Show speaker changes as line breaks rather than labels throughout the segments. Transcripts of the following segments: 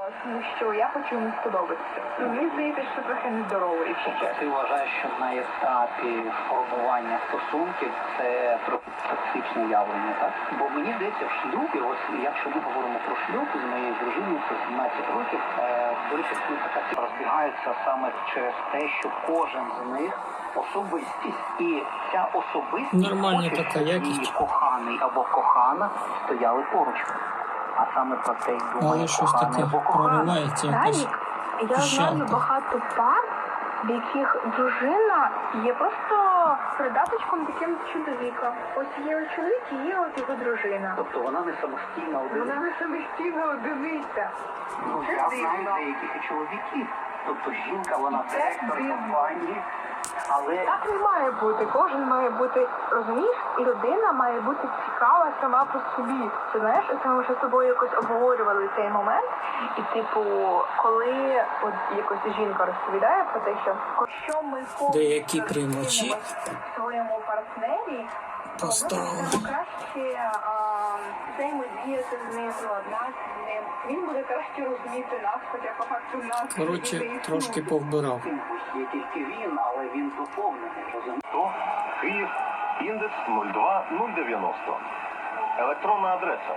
тому що я хочу йому сподобатися. Мені здається, що трохи нездорово, якщо чесно.
Ти вважаєш, що на етапі формування стосунків це трохи токсичне явлення, так? Бо мені здається, в шлюбі, ось якщо ми говоримо про шлюб з моєю дружиною, це 17 років, до речі, така розбігаються саме через те, що кожен з них особистість. І ця особистість
Нормальна
хоче,
така
щоб
якість.
її коханий або кохана стояли поруч. А саме про це й думає
Але щось
коханий
таке
або кохана.
проривається якась
Тарік, я знаю
піщанка.
багато пар, в яких дружина є просто придаточком таким чоловіка. Ось є чоловік і є от його дружина.
Тобто вона не самостійна одиниця.
Вона не самостійна одиниця.
Ну,
Це
я
дивно.
знаю деяких і чоловіків. Тобто жінка, вона
Це
директор
дивно.
компанії, але
Так не має бути. Кожен має бути, розумієш, і людина має бути цікава сама по собі. Ти знаєш, це ми вже з тобою якось обговорювали цей момент. І типу, коли от якось жінка розповідає про те, що ми
Деякі приймачі
в своєму партнері, то ми
поставили.
будемо краще взаємодіяти з ним, ладнати з ним. Він буде краще розуміти нас, хоча по факту нас.
Коротше,
не
трошки
існує.
повбирав.
є тільки він, але він доповнений, розумієш?
Київ, індекс 02090. Електронна адреса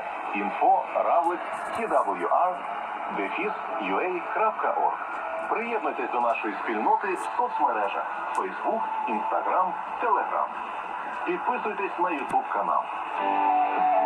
info@twr-ua.org. Приєднуйтесь до нашої спільноти в соцмережах Facebook, Instagram, Telegram. Підписуйтесь на YouTube канал.